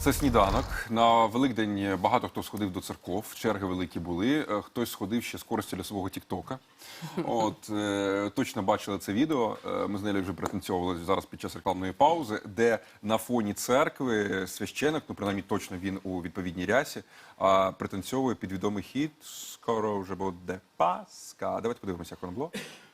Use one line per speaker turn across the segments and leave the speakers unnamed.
Це сніданок. На Великдень багато хто сходив до церков, черги великі були. Хтось сходив ще з користю для свого тіктока. Точно бачили це відео. Ми з нею вже пританцьовували зараз під час рекламної паузи, де на фоні церкви священик, ну принаймні точно він у відповідній рясі, пританцьовує під відомий хіт «Скоро вже буде Пасха». Давайте подивимося, як воно було.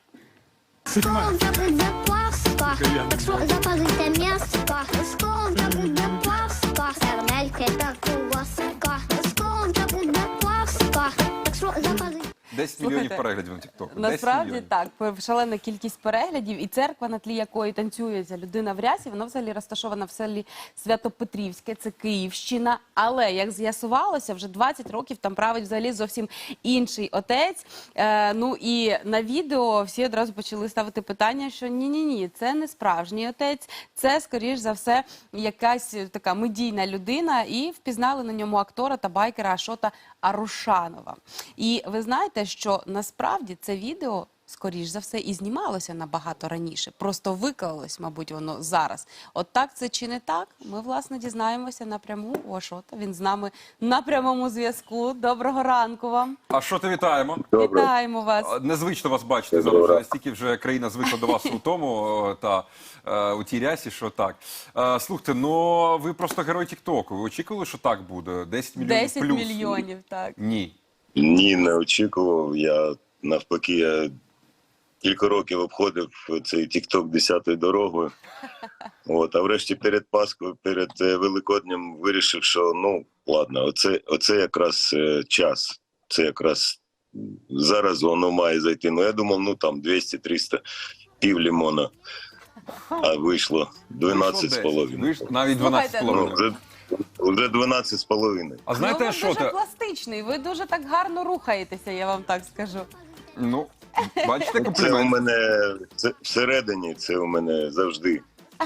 Скоро вже буде Пасха, так що запалите м'яско. Скоро вже буде Пасха, сердельки та куласка. Скоро вже буде Пасха, так що запалите.
10 мільйонів переглядів на тіктоку.
Насправді так, шалена кількість переглядів, і церква, на тлі якої танцює ця людина в рясі, вона взагалі розташована в селі Свято-Петрівське, це Київщина. Але, як з'ясувалося, вже 20 років там править взагалі зовсім інший отець. Ну і на відео всі одразу почали ставити питання, що ні-ні-ні, це не справжній отець, це, скоріш за все, якась така медійна людина, і впізнали на ньому актора та байкера Ашота Арушанова. І ви знаєте, що насправді це відео, скоріш за все, і знімалося набагато раніше. Просто виклалось, мабуть, воно зараз. От так це чи не так? Ми, власне, дізнаємося напряму у Ашота. Він з нами на прямому зв'язку. Доброго ранку вам.
Ашоте, вітаємо.
Вітаємо вас.
Незвично вас бачити зараз. Настільки вже країна звикла до вас у тому та у тій рясі, що так. Слухайте, ну ви просто герой тіктоку. Ви очікували, що так буде? 10 мільйонів
10
плюс?
мільйонів, так.
Ні.
Ні, не очікував. Я навпаки, кілька років обходив цей тікток 10-ю дорогою. А врешті перед Пасхою, перед Великоднем вирішив, що ну ладно, оце якраз час. Це якраз зараз воно має зайти. Ну я думав, ну там 200-300, пів лимона. А вийшло 12,5.
Навіть
Слухайте,
12,5.
Вже 12,5.
А знаєте,
ну, ви
що
дуже пластичний, ви дуже так гарно рухаєтеся, я вам так скажу.
Ну, бачите,
Це у
комплімент.
мене всередині, це у мене завжди.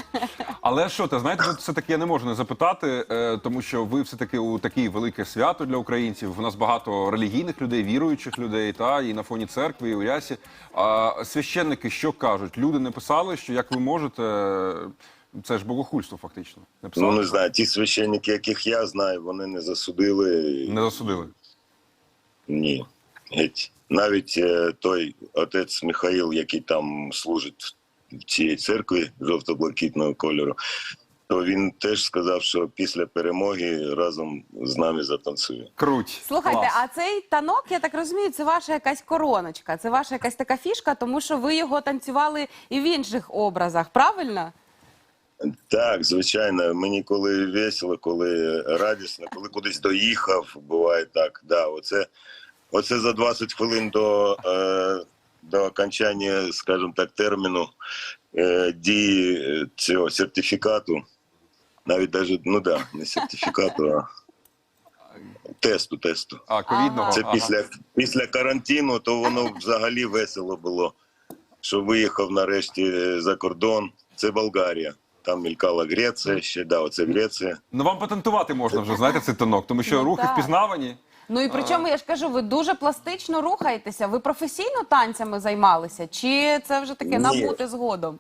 Але що ти, знаєте, тут все-таки я не можу не запитати, тому що ви все-таки у таке велике свято для українців. У нас багато релігійних людей, віруючих людей, та і на фоні церкви, і у рясі. А священники що кажуть? Люди не писали, що як ви можете, це ж богохульство фактично. Не писали?
Ну, не знаю, ті священники, яких я знаю, вони не засудили.
Не засудили?
Ні. Геть. Навіть той отець Михаїл, який там служить в цій церкві жовто-блакитного кольору, то він теж сказав, що після перемоги разом з нами затанцює.
Круть.
Слухайте,
Клас.
а цей танок, я так розумію, це ваша якась короночка, це ваша якась така фішка, тому що ви його танцювали і в інших образах, правильно?
Так, звичайно, мені коли весело, коли радісно, коли кудись доїхав, буває так. Да, оце за 20 хвилин до окончання, скажімо так, терміну дії цього сертифікату, навіть ну да, не сертифікату, а тесту.
Ковідного?
Це після карантину, то воно взагалі весело було, що виїхав нарешті за кордон. Це Болгарія. Там мількала Греція ще, да, оце Греція.
Ну вам патентувати можна вже, знаєте, цей танок, тому що
Ну,
рухи
так.
впізнавані.
Ну і причому, я ж кажу, ви дуже пластично рухаєтеся. Ви професійно танцями займалися? Чи це вже таке
Ні.
набути згодом?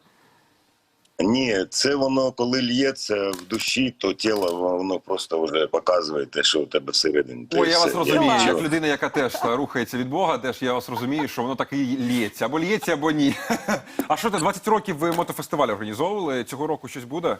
Ні, це воно, коли л'ється в душі, то тіло, воно просто вже показує те, що у тебе всередині.
Ой, я вас розумію,
Клас.
як людина, яка теж рухається від Бога, теж я вас розумію, що воно так і лється. Або лється, або ні. А що ти, 20 років ви мотофестиваль організовували? Цього року щось буде?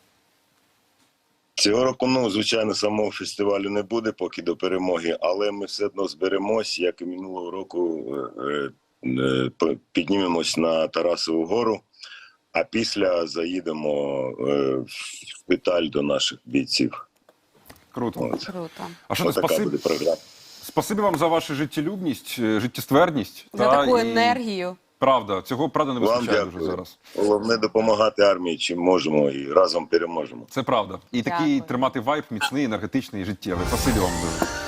Цього року, ну, звичайно, самого фестивалю не буде поки до перемоги, але ми все одно зберемось, як і минулого року, піднімемось на Тарасову гору, а після заїдемо в шпиталь до наших бійців.
Круто.
Круто.
А що ти,
Отака буде програма.
спасибі вам за вашу життєлюбність, життєстверність.
За таку
і
енергію.
Правда, цього правда не
Вам
вистачає дуже
дякую.
зараз.
Головне допомагати армії, чим можемо, і разом переможемо.
Це правда. І такий
Дякую.
тримати вайб міцний, енергетичний і життєвий. Спасибі вам дуже.